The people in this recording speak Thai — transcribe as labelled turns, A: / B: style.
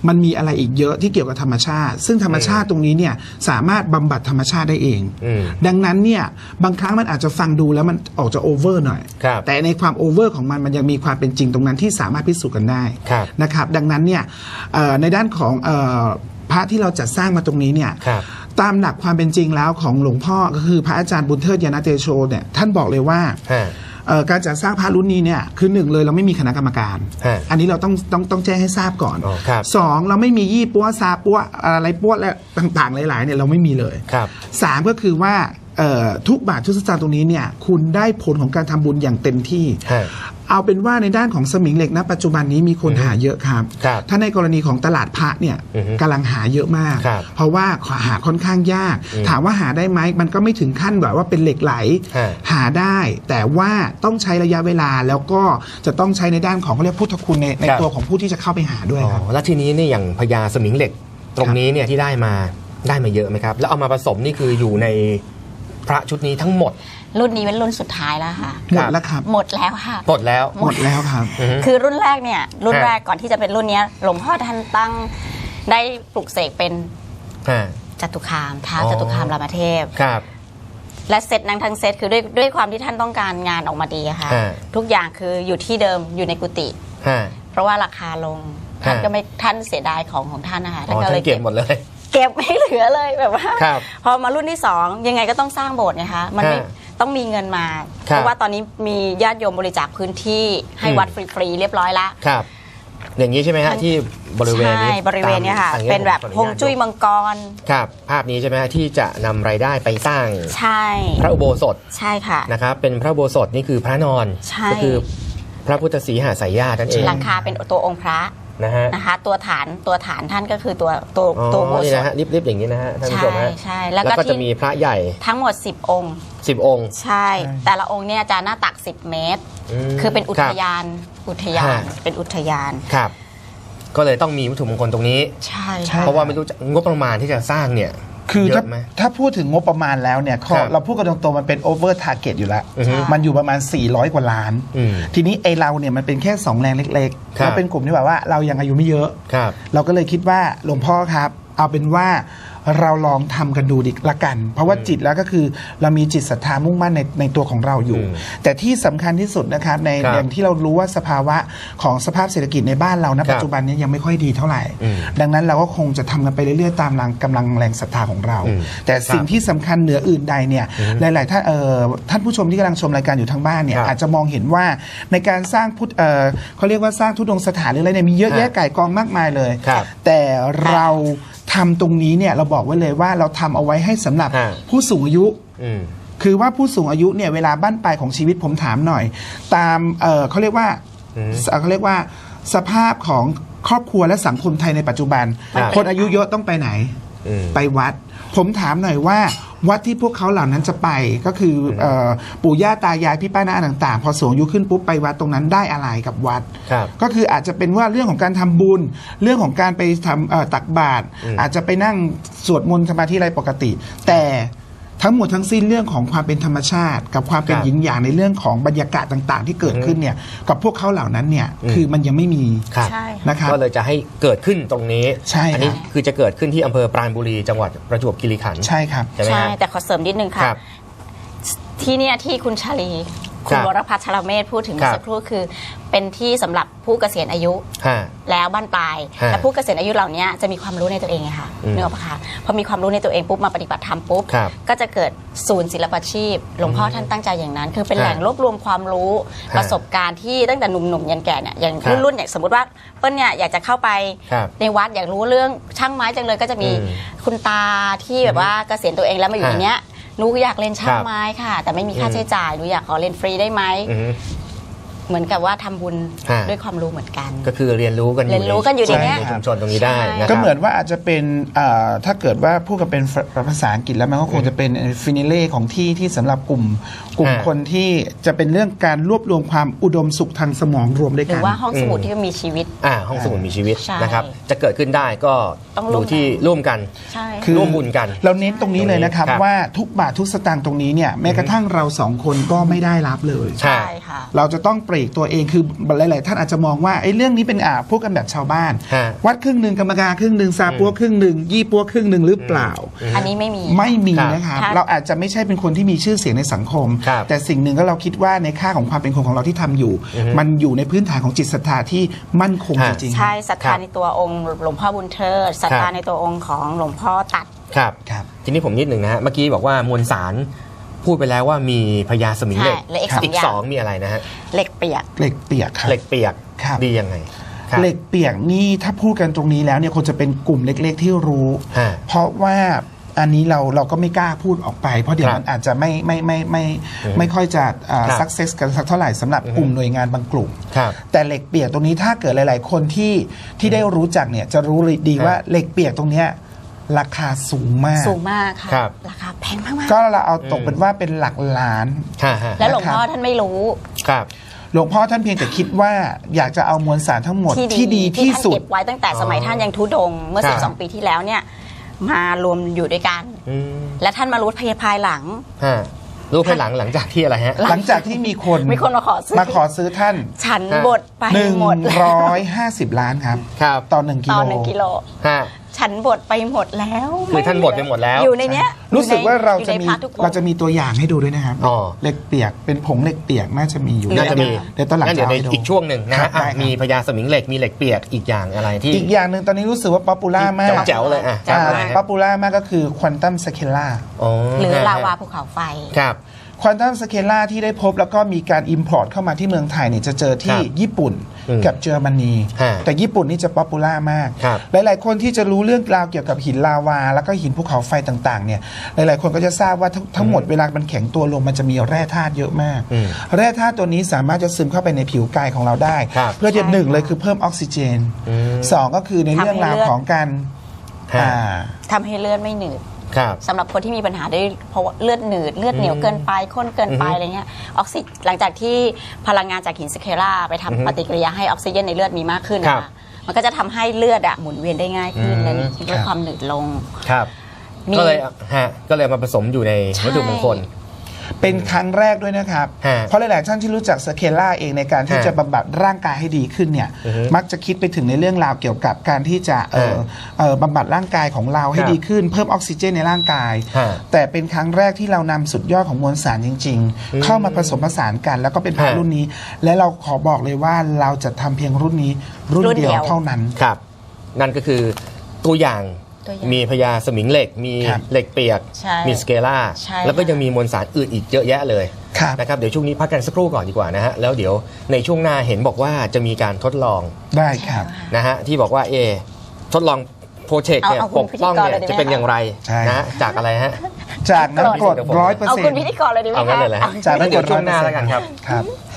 A: มันมีอะไรอีกเยอะที่เกี่ยวกับธรรมชาติซึ่งธรรมชาติตรงนี้เนี่ยสามารถบำบัดธรรมชาติได้เองดังนั้นเนี่ยบางครั้งมันอาจจะฟังดูแล้วมันออกจะโอเวอร์หน่อยแต่ในความโอเวอร์ของมันยังมีความเป็นจริงตรงนั้นที่สามารถพิสูจน์กันได้นะครับดังนั้นเนี่ยในด้านของพระที่เราจัดสร้างมาตรงนี้เนี่ยตามหลักความเป็นจริงแล้วของหลวงพ่อก็คือพระอาจารย์บุญเทิดยานาเตโชเนี่ยท่านบอกเลยว่าการจัดสร้างพระรุ่นนี้เนี่ยคือหนึ่งเลยเราไม่มีคณะกรรมการอันนี้เราต้องแจ้งให้ทราบก่อนสองเราไม่มียี่ปัวซาปัวอะไรปัวและต่างๆหลายๆเนี่ยเราไม่มีเลยสามก็คือว่าทุกบาททุกสตางค์ตรงนี้เนี่ยคุณได้ผลของการทำบุญอย่างเต็มที่เอาเป็นว่าในด้านของสมิงเหล็กณปัจจุบันนี้มีคนหาเยอะครับถ้าในกรณีของตลาดพระเนี่ยกำลังหาเยอะมากเพราะว่าหาค่อนข้างยากถามว่าหาได้ไหมมันก็ไม่ถึงขั้นแบบว่าเป็นเหล็กไหลหาได้แต่ว่าต้องใช้ระยะเวลาแล้วก็จะต้องใช้ในด้านของเขาเรียกพุทธคุณในตัวของผู้ที่จะเข้าไปหาด้วยครับ
B: แล้วทีนี้เนี่ยอย่างพญาสมิงเหล็กตรงนี้เนี่ยที่ได้มาเยอะไหมครับแล้วเอามาผสมนี่คืออยู่ในพระชุดนี้ทั้งหมด
C: รุ่นนี้เป็นรุ่นสุดท้ายแล้วค่ะ
A: หมดแล้วครับ
C: หมดแล้วค่ะ
B: หมดแล้ว
A: ครับ
C: คือรุ่นแรกเนี่ยรุ่นแรกก่อนที่จะเป็นรุ่นนี้หลวงพ่อท่านตั้งได้ปลุกเสกเป็นจตุคามท้าวจตุคามรามเทพและเซตนั้นทั้งเซตคือด้วยความที่ท่านต้องการงานออกมาดีค่ะทุกอย่างคืออยู่ที่เดิมอยู่ในกุฏิเพราะว่าราคาลงท่านก็ไม่ท่านเสียดายของท่านนะคะ
B: ท่านก็เลยเก็บหมดเลย
C: เก็บไม่เหลือเลยแบบว่าพอมารุ่นที่2ยังไงก็ต้องสร้างโบสถ์ไงคะมันไม่ต้องมีเงินมาเพราะว่าตอนนี้มีญาติโยมบริจาคพื้นที่ให้วัดฟรีๆเรียบร้อยแล้ว
B: ครับอย่างนี้ใช่ไหมฮะที่บริเวณนี้
C: บริเวณนี้ค่ะเป็นแบบฮวงจุ้ยมังกร
B: ครับภาพนี้ใช่ไหมฮะที่จะนำรายได้ไปสร้าง
C: ใช่
B: พระอุโบสถ
C: ใช่ค่ะ
B: นะครับเป็นพระอุโบสถนี่คือพระนอนก็คือพระพุทธศรีหสายญาตินั่นเอง
C: หลังคาเป็นตัวองค์พระนะคะตัวฐานท่านก็คือตัวโบสถ์
B: นะฮะริบๆอย่างนี้นะฮะท่านผู้ชมฮะ
C: ใช่
B: แล้วก็จะมีพระใหญ่
C: ทั้งหมด10องค์ใช่แต่ละองค์เนี่ยจะหน้าตัก10 เมตรคือเป็นอุทยานเป็นอุทยาน
B: ครับก็เลยต้องมีวัตถุมงคลตรงนี้
C: ใช่
B: เพราะว่าไม่รู้งบประมาณที่จะสร้างเนี่ย
A: คือถ้าพูดถึงงบประมาณแล้วเนี่ยเราพูดกันตรงๆมันเป็นโอเวอร์ทาร์เก็ตอยู่แล้วมันอยู่ประมาณ400 กว่าล้านทีนี้ไอเราเนี่ยมันเป็นแค่2แรงเล็กๆเราเป็นกลุ่มที่แบบว่าเรายังอายุไม่เยอะเราก็เลยคิดว่าหลวงพ่อครับเอาเป็นว่าเราลองทำกันดูดิละกันเพราะว่าจิตแล้วก็คือเรามีจิตศรัทธามุ่งมั่นในตัวของเราอยู่แต่ที่สำคัญที่สุดนะครับในอย่างที่เรารู้ว่าสภาวะของสภาพเศรษฐกิจในบ้านเราณปัจจุบันนี้ยังไม่ค่อยดีเท่าไหร่ดังนั้นเราก็คงจะทำกันไปเรื่อยๆตามกำลังแรงศรัทธาของเราแต่สิ่งที่สำคัญเหนืออื่นใดเนี่ยหลายๆท่านผู้ชมที่กำลังชมรายการอยู่ทางบ้านเนี่ยอาจจะมองเห็นว่าในการสร้างเขาเรียกว่าสร้างทุดงสถานหรืออะไรเนี่ยมีเยอะแยะก่ายกองมากมายเลยแต่เราทำตรงนี้เนี่ยเราบอกไว้เลยว่าเราทำเอาไว้ให้สำหรับผู้สูงอายุคือว่าผู้สูงอายุเนี่ยเวลาบั้นปลายของชีวิตผมถามหน่อยตามเขาเรียกว่าสภาพของครอบครัวและสังคมไทยในปัจจุบันคนอายุเยอะต้องไปไหนไปวัดผมถามหน่อยว่าวัดที่พวกเขาเหล่านั้นจะไปก็คือปู่ย่าตายายพี่ป้าน้าต่างๆพอสูงอายุขึ้นปุ๊บไปวัดตรงนั้นได้อะไรกับวัดก็คืออาจจะเป็นว่าเรื่องของการทำบุญเรื่องของการไปทำตักบาตรอาจจะไปนั่งสวดมนต์สมาธิอะไรปกติแต่ทั้งหมดทั้งสิ้นเรื่องของความเป็นธรรมชาติกับความเป็นหยินหยางในเรื่องของบรรยากาศต่างๆที่เกิดขึ้นเนี่ยกับพวกเขาเหล่านั้นเนี่ยคือมันยังไม่มีนะครับ
B: ก็เลยจะให้เกิดขึ้นตรงนี้อันนี้คือจะเกิดขึ้นที่อำเภอปราณบุรีจังหวัดประจวบคีรีขันธ์
A: ใช่ครับ
C: ใช่แต่ขอเสริมนิดนึงค่ะที่เนี่ยที่คุณชาลีคุณวรพัชชรเมธพูดถึงเมื่อสักครู่คือเป็นที่สำหรับผู้เกษียณอายุแล้วบ้านปลายและผู้เกษียณอายุเหล่านี้จะมีความรู้ในตัวเองไงคะเนื้อปะคะพอมีความรู้ในตัวเองปุ๊บมาปฏิบัติธรรมปุ๊บก็จะเกิดศูนย์ศิลปาชีพหลวงพ่อท่านตั้งใจอย่างนั้นคือเป็นแหล่งรวบรวมความรู้ประสบการณ์ที่ตั้งแต่หนุ่มๆยันแก่เนี่ยอย่างรุ่นอย่างสมมติว่าเปิ้ลเนี่ยอยากจะเข้าไปในวัดอยากรู้เรื่องช่างไม้จังเลยก็จะมีคุณตาที่แบบว่าเกษียณตัวเองแล้วมาอยู่ในเนี้ยหนูอยากเรียนช่างไม้ค่ะแต่ไม่มีค่าใช้จ่ายหนูอยากขอเรียนฟรีได้ไหมเหมือนกับว่าทำบุญด้วยความรู้เหมือนกัน
B: ก็คือเรียนรู้กัน
C: อยู่ใน
B: ชุมชนตรงนี้ได้นะครับ
A: ก็เหมือนว่าอาจจะเป็นถ้าเกิดว่าพูดกันเป็นภาษาอังกฤษแล้วมันก็คงจะเป็นฟินิเล่ของที่สำหรับกลุ่มคนที่จะเป็นเรื่องการรวบรวมความอุดมสุขทางสมองรวมด้วยกัน
C: หรือว่าห้องสมุดที่มีชีวิต
B: ห้องสมุดมีชีวิตนะครับจะเกิดขึ้นได้ก็ดูที่ร่วมกันร่วมบุญกัน
A: เราเน้นตรงนี้เลยนะครับว่าทุกบาททุกสตางค์ตรงนี้เนี่ยแม้กระทั่งเรา2 คนก็ไม่ได้รับเลย
C: ใช่ค่ะ
A: เราจะต้องเปรรกตัวเองคือหลายๆท่านอาจจะมองว่าไอ้เรื่องนี้เป็นพูดกันแบบชาวบ้าน
B: ฮะ
A: วัดครึ่งหนึ่งกรรมการครึ่งหนึ่งซาปัวครึ่งหนึ่งยี่ปัวครึ่งหนึ่งหรือเปล่า
C: อันนี้ไม่มี
A: ไม่มี
B: ครับ
A: นะครับ
C: ค่ะ
A: เราอาจจะไม่ใช่เป็นคนที่มีชื่อเสียงในสังคม
B: ครับ
A: แต่สิ่งหนึ่งก็เราคิดว่าในค่าของความเป็นคนของเราที่ทำอยู่ มันอยู่ในพื้นฐานของจิตศรัทธาที่มั่นคงจริงๆ
C: ใช่ศรัท
B: ครั
C: ธา
B: บ
C: ในตัวองค์หลวงพ่อบุญเทิดศรัทธา
B: ครับ
C: ในตัวองค์ของหลวงพ่อตัด
B: ครับ
A: ครับ
B: ทีนี้ผมนิดหนึ่งนะฮะเมื่อกี้บอกว่ามวลสารพูดไปแล้วว่ามีพญาสมิงเหล็ก
C: ใช่และอีก
B: อีก
C: 2
B: สองมีอะไรนะฮะ
C: เหล็กเปียก
A: เหล็กเปียกครับ
B: เหล็กเปียก
A: ครับ
B: ดียังไงครับ
A: เหล็กเปียกนี่ถ้าพูดกันตรงนี้แล้วเนี่ยคนจะเป็นกลุ่มเล็กๆที่รู้
B: ฮะ
A: เพราะว่าอันนี้เราก็ไม่กล้าพูดออกไป เพราะเดี๋ยว
B: ครับ
A: มันอาจจะไม่ค่อยจะ
B: ครับ
A: success กันสักเท่าไหร่สำหรับกลุ่มหน่วยงานบางกลุ่ม
B: ครับ
A: แต่เหล็กเปียกตรงนี้ถ้าเกิดหลาย ๆ คนที่ได้รู้จักเนี่ยจะรู้เลยดี
B: ครับ
A: ว่าเหล็กเปียกตรงเนี้ยราคาสูงมาก
C: สูงมากค่ะ
B: ครับ
C: ราคาแพงมากๆ
A: ก็เราเอาตกเป็นว่าเป็นหลักล้าน
B: ฮะฮะ
C: แล้วหลวงพ่อท่านไม่รู้
B: ครับ
A: หลวงพ่อท่านเพียงแต่คิดว่าอยากจะเอามวลสารทั้งหมดที่ดีที่
C: ท่าน
A: สุด
C: เก็บไว้ตั้งแต่สมัยท่านยังทุดงค์เมื่อ
B: ครับ
C: 12 ปีที่แล้วเนี่ยมารวมอยู่ด้วยกัน
B: อืม
C: และท่านมารู้ภายหลัง
B: ฮะรู้ภายหลังจากที่อะไรฮะ
A: หลังจากที่มีคน
C: มีคนมาขอซื้อ
A: มาขอซื้อท่าน
C: ฉันบทไปหมดแล้ว
A: 150 ล้านครับ
B: ครับ
A: ต่อ1 กิ
C: ต
A: โล
C: อน1 กิโล
B: ฮะ
C: ฉันบทไปหมดแล้ว
B: คือท่านบทไปหมดแล้ว
C: อยู่ในเนี้ย
A: รู้สึกว่าเราจะ
C: อยู่ใน
A: มี
C: พระทุกองค์
A: เราจะมีตัวอย่างให้ดูด้วยนะครับ
B: อ๋อ
A: เหล็กเปียกเป็นผงเหล็กเปียกน่าจะมีอยู่
B: น่าจะมี
A: เดี๋ยวตอนหลัง
B: งั้น
A: จะ
B: เดี๋ยว
A: เอา
B: ใน
A: ให้ดู
B: อีกช่วงหนึ่งนะ
A: ครั
B: ฮะ
A: บได้ครับ
B: มีพญาสมิงเหล็กมีเหล็กเปียกอีกอย่างอะไรที่
A: อีกอย่างหนึ่งตอนนี้รู้สึกว่าป๊อปปูล่ามาก
B: แจ๋วๆเลยอ่ะ
C: อะไร
A: ป๊อปปูล่ามากก็คือควอนตัมสเคล่า
B: อ๋อ
C: หรือ
B: ฮะ
C: ลาวาภูเขาไฟ
B: ครับ
A: ควอนตัมสเคล่าที่ได้พบแล้วก็มีการอิมพอร์ตเข้ามาที่เมืองไทยเนี่ยจะเจอที่
B: ครับ
A: ญี่ปุ่น
B: อืม
A: กับเยอรมนี
B: ฮะ
A: แต่ญี่ปุ่นนี่จะป๊อปปูล่ามาก
B: ครับ
A: หลาย ๆ คนที่จะรู้เรื่องราวเกี่ยวกับหินลาวา แล้วก็หินภูเขาไฟต่าง ๆ เนี่ย หลาย ๆ คนก็จะทราบว่าทั้งหมดเวลามันแข็งตัวลงมันจะมีแร่ธาตุเยอะมาก
B: อืม
A: แร่ธาตุตัวนี้สามารถจะซึมเข้าไปในผิวกายของเราได้
B: ครับ
A: เพื่อจะ
C: ใช่
A: หนึ่ง
C: ค่ะ
A: เลยคือเพิ่มออกซิเจน
B: อืม
A: สองก็คือในเรื่องราวของการ
B: ฮะ
C: ทำให้เลือดไม่หนืด
B: ครับ
C: สำหรับคนที่มีปัญหาด้วยเพราะว่าเลือดหนืดเลือดเหนียวเกินไปข้นเกินไปอะไรเงี้ยออกซิหลังจากที่พลังงานจากหินสเคล่าไปทำปฏิกิริยาให้ออกซิเจนในเลือดมีมากขึ้น
B: ครั
C: นะ
B: บ
C: คะมันก็จะทำให้เลือดหมุนเวียนได้ง่ายขึ้น
B: อืม
C: และลดความหนืดลง
B: ครับ
C: มี
B: ก็เลยก็เลยมาผสมอยู่ใน
C: ใช่
B: วัตถุมงคล
A: เป็นครั้งแรกด้วยนะครับ
B: ฮะ
A: เพราะหลาย ๆ ท่านที่รู้จักสเคล่าเองในการที่
B: ฮะ
A: จะบำบัดร่างกายให้ดีขึ้นเนี่ย
B: อือฮึ
A: มักจะคิดไปถึงในเรื่องราวเกี่ยวกับการที่จะบำบัดร่างกายของเราให้
B: ครับ
A: ดีขึ้น เพิ่มออกซิเจนในร่างกาย
B: ฮะ
A: แต่เป็นครั้งแรกที่เรานำสุดยอดของมวลสารจริง ๆ เข้ามาผสมผสานกัน แล้วก็เป็นพระ
B: ฮะ
A: รุ่นนี้ และเราขอบอกเลยว่าเราจะทำเพียงรุ่นนี้รุ่น
C: รุ่นเดี
A: เดี
C: ยว
A: ยวเท่านั้น
B: ครับ นั่นก็คือตัวอย่าง
C: ตัวอย่าง
B: มีพญาสมิงเหล็ก มี
A: ครับ
B: เหล็กเปียก
C: ใช่
B: มีสเกล่า
C: ใช่
B: แล้วก็ยังมีมวลสารอื่นอีกเยอะแยะเลย
A: ครับ
B: นะครับเดี๋ยวช่วงนี้พักกันสักครู่ก่อนดีกว่านะฮะแล้วเดี๋ยวในช่วงหน้าเห็นบอกว่าจะมีการทดลอง
A: ได้ครับ
B: นะฮะที่บอกว่าทดลองโปรเจกต์เนี่ย
C: เอาคุ
B: ป
C: ณ
B: กป้อง
C: พิธีกร
B: เนี่ย
C: เลยได้ไหม
B: จะเป็นอย่างไร
A: ใช่
B: นะฮะจากอะไรฮะ
A: จากน้ำกรด
B: เอา
A: 100%
C: เอาคุณพิธีกรเลยดีไหม
B: เอางั้นเลยเหรอฮะ
A: จาก
B: งั้น
A: น้ำก
B: เดี๋
A: ร
B: ยว
A: ด
B: ช่วงหน้าแล้วกันครับ
A: ครับ